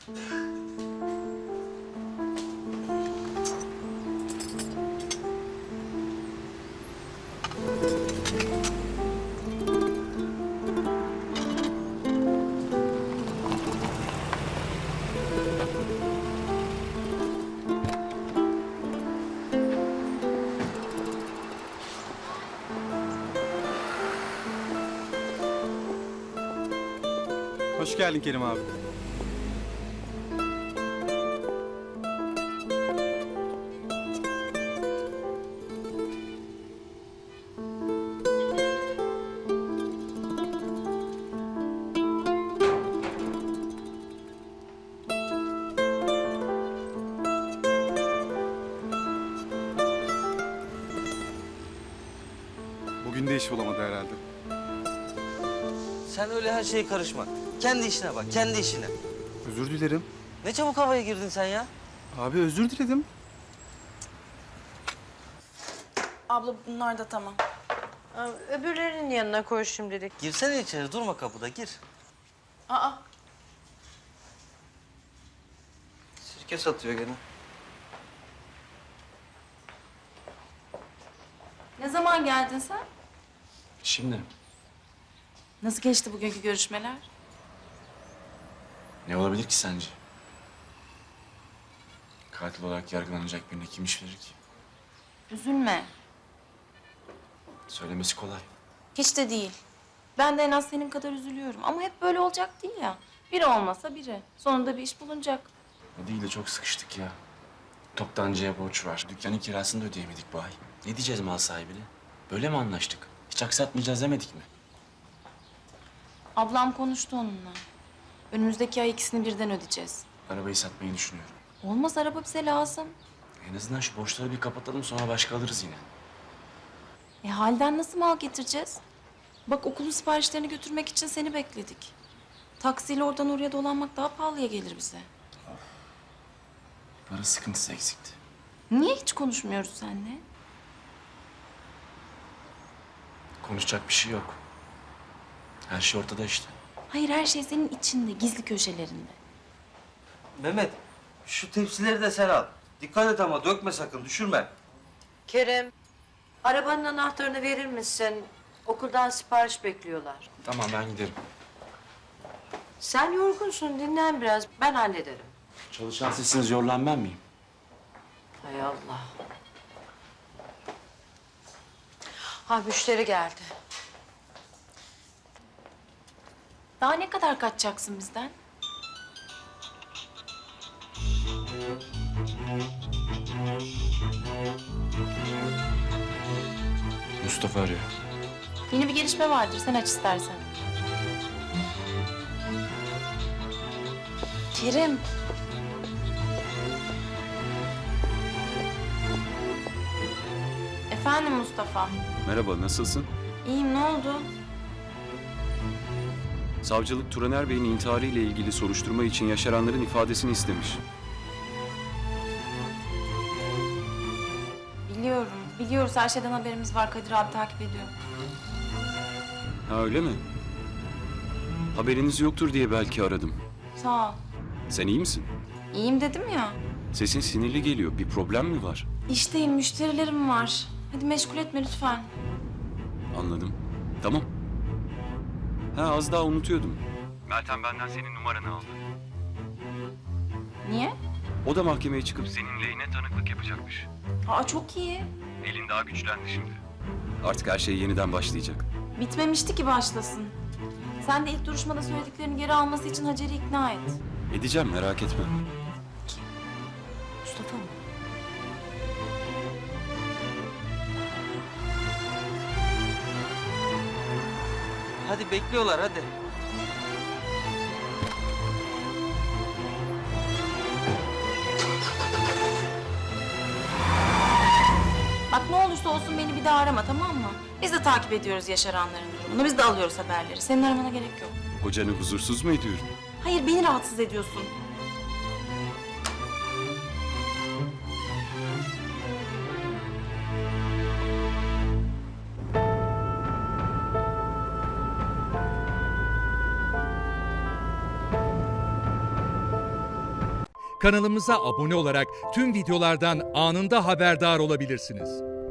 Hoş geldin Kerim abi. Bugün de iş bulamadı herhalde. Sen öyle her şeye karışma. Kendi işine bak, kendi işine. Özür dilerim. Ne çabuk havaya girdin sen ya? Abi özür diledim. Abla bunlar da tamam. Öbürlerinin yanına koy şimdilik. Girsene içeri, durma kapıda, gir. Aa, Sirke satıyor gene. ne zaman geldin sen? Şimdi Nasıl geçti bugünkü görüşmeler? ne olabilir ki sence? Katil olarak yargılanacak birine kim iş verir ki? Üzülme. Söylemesi kolay. Hiç de değil. Ben de en az senin kadar üzülüyorum. Ama hep böyle olacak değil ya. Biri olmasa biri. Sonunda bir iş bulunacak. O değil de çok sıkıştık ya. Toptancıya borç var. Dükkanın kirasını da ödeyemedik bu ay. Ne diyeceğiz mal sahibine? Böyle mi anlaştık? Hiç aksatmayacağız demedik mi? Ablam konuştu onunla. Önümüzdeki ay ikisini birden ödeyeceğiz. Arabayı satmayı düşünüyorum. Olmaz, araba bize lazım. En azından şu borçları bir kapatalım, sonra başka alırız yine. Halden nasıl mal getireceğiz? Bak, okulun siparişlerini götürmek için seni bekledik. Taksiyle oradan oraya dolanmak daha pahalıya gelir bize. Para sıkıntısı eksikti. Niye hiç konuşmuyoruz seninle? Konuşacak bir şey yok. Her şey ortada işte. Hayır, her şey senin içinde, gizli köşelerinde. Mehmet, şu tepsileri de sen al. Dikkat et ama dökme sakın, düşürme. Kerem, arabanın anahtarını verir misin? Okuldan sipariş bekliyorlar. Tamam, ben giderim. Sen yorgunsun, dinlen biraz. Ben hallederim. Çalışan sizsiniz, yorulan ben miyim? Hay Allah. Ha, müşteri geldi. Daha ne kadar kaçacaksın bizden? Mustafa arıyor. Yeni bir gelişme vardır, sen aç istersen. Kerim. Efendim Mustafa. Merhaba, nasılsın? İyiyim, ne oldu? Savcılık Turaner Bey'in intiharı ile ilgili soruşturma için yaşaranların ifadesini istemiş. Biliyorum, biliyoruz. Her şeyden haberimiz var. Kadir abi takip ediyor. Ha öyle mi? Haberiniz yoktur diye belki aradım. Sağ ol. Sen iyi misin? İyiyim dedim ya. Sesin sinirli geliyor. Bir problem mi var? İşteyim, müşterilerim var. Hadi meşgul etme lütfen. Anladım. Tamam. Ha az daha unutuyordum. Meltem benden senin numaranı aldı. Niye? O da mahkemeye çıkıp senin lehine tanıklık yapacakmış. Aa, çok iyi. Elin daha güçlendi şimdi. Artık her şey yeniden başlayacak. Bitmemişti ki başlasın. Sen de ilk duruşmada söylediklerini geri alması için Hacer'i ikna et. Edeceğim, merak etme. Mustafa mı? Hadi bekliyorlar, hadi. Bak, ne olursa olsun beni bir daha arama, tamam mı? Biz de takip ediyoruz yaşaranların durumunu. Biz de alıyoruz haberleri. Senin aramana gerek yok. Kocanı huzursuz mu ediyorum? Hayır, beni rahatsız ediyorsun. kanalımıza abone olarak tüm videolardan anında haberdar olabilirsiniz.